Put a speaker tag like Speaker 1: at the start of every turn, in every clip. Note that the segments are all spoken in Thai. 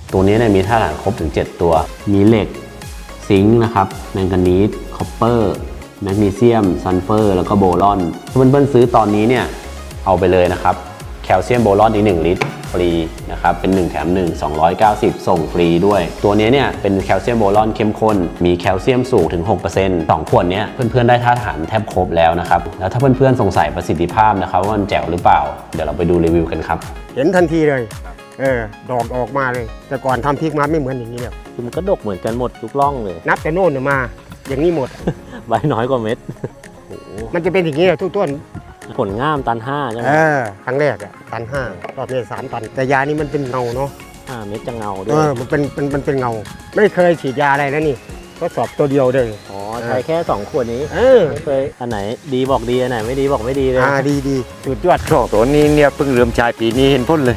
Speaker 1: ตัวนี้เนี่ยมีธาตุอาหารครบถึง7ตัวมีเหล็กซิงค์นะครับแมงกานีสคอปเปอร์แมกนีเซียมซัลเฟอร์แล้วก็โบรอนถ้าเพื่อนๆซื้อตอนนี้เนี่ยเอาไปเลยนะครับแคลเซียมโบรอนอีก1ลิตรฟรีนะครับเป็น1แถม1 290ส่งฟรีด้วยตัวนี้เนี่ยเป็นแคลเซียมโบรอนเข้มข้นมีแคลเซียมสูงถึง 6% 2 ขวดนี้เพื่อนๆได้ธาตุอาหารแทบครบแล้วนะครับแล้วถ้าเพื่อนๆสงสัยประสิทธิภาพนะครับว่ามันแจ๋วหรือเปล่าเดี๋ยวเราไปดูรีวิวกันครับ
Speaker 2: เห็นทันทีเลยดอกออกมาเลยแต่ก่อนทำพริกมาไม่เหมือนอย่างนี้เนี่ย
Speaker 3: คือมันก็ดกเหมือนกันหมดทุกร่องเลย
Speaker 2: นับแต่โน่นมาอย่างนี้หมด
Speaker 3: ใบน้อยกว่าเม็ดโอ้โห
Speaker 2: มันจะเป็นอย่างนี้ทุกต้น
Speaker 3: ผลง่ามตัน 5ใช่ไหม
Speaker 2: ครั้งแรกตัน5รอบนี้3 ตันแต่ยานี้มันเป็นเงาเนาะ
Speaker 3: 5 เม็ดจะเงาด้วย
Speaker 2: มันเป็นเงาไม่เคยฉีดยาอะไรนะนี่ทดสอบตัวเดียวเลย
Speaker 3: อ๋อใช้แค่2 ขวดนี้ ไม่เคยอันไหนดีบอกดีอันไหนไม่ดีบอกไม่ดีเลย
Speaker 2: ดีสุดยอด
Speaker 4: ช่วงตัวนี้เนี่ยเพิ่งเริ่มใช้ปีนี้เห็นพ้นเลย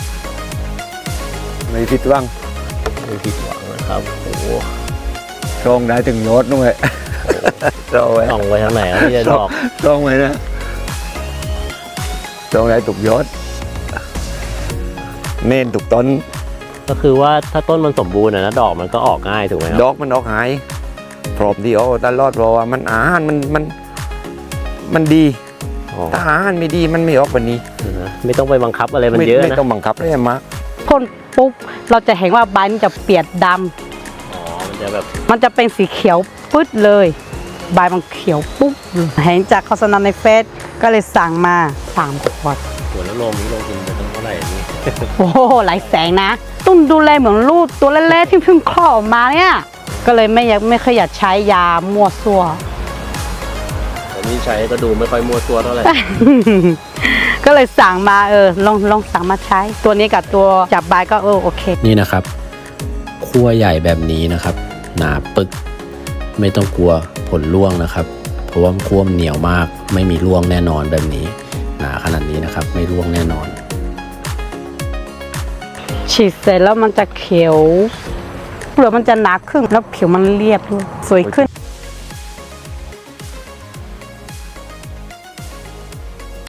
Speaker 4: ไม่ผิดหวัง
Speaker 3: ไม่ผิดหวังนะครับโอ้โห
Speaker 4: ช่องได้ถึงยอดด้วยช่องไว้
Speaker 3: ส่องไปทางไหนแล้วที่จะดอก
Speaker 4: ช่องไว้นะช่องได้ตุกยอดเน้นตุกต้น
Speaker 3: ก็คือว่าถ้าต้นมันสมบูรณ์นะดอกมันก็ออกง่ายถูกไหมค
Speaker 4: ด
Speaker 3: รับ
Speaker 4: อกมันออกหายพร้อมที่เอาตลอดเพราะว่ามันอาหารมันดี
Speaker 3: อ๋อ
Speaker 4: ถ้าอาหารไม่ดีมันไม่ออกแบบนี้
Speaker 3: ไม่ต้องไปบังคับอะไรมันเยอะ
Speaker 4: ไม่
Speaker 3: นะ
Speaker 4: ต้องบังคับเลยมาก
Speaker 5: พ่นปุ๊บเราจะเห็นว่าใบมันจะเปียกด
Speaker 3: อ๋อมันจะแบบ
Speaker 5: ำมันจะเป็นสีเขียวปึ๊ดเลยใบมันเขียวปุ๊บเห็นจากโฆษณาในเฟซก็เลยสั่งมา3 ขวด
Speaker 3: หัวแล้วลมนี่ลงทุนไปตั้งเท่าไหร่นี่
Speaker 5: โอ้โหหลายแสนนะตุ้นดูแลเหมือนลูกตัวเล็กๆที่เพิ่งคลอดออกมาเนี่ยก็เลยไม่เคยอยากใช้ยามั่วซั่ว
Speaker 3: แต่นี่ใช้ก็ดูไม่ค่อยมัวตัวเท่าไหร่
Speaker 5: ก็เลยสั่งมาลองสั่งมาใช้ ตัวนี้กับตัวจับใบก็โอเค
Speaker 1: นี่นะครับขั้วใหญ่แบบนี้นะครับหนาปึกไม่ต้องกลัวผลร่วงนะครับเพราะว่าขั้วมันเหนียวมากไม่มีร่วงแน่นอนแบบนี้หนาขนาดนี้นะครับไม่ร่วงแน่นอน
Speaker 5: ฉีดเสร็จแล้วมันจะเขียวเปลือกมันจะหนาขึ้นแล้วผิวมันเรียบด้วยสวยขึ้น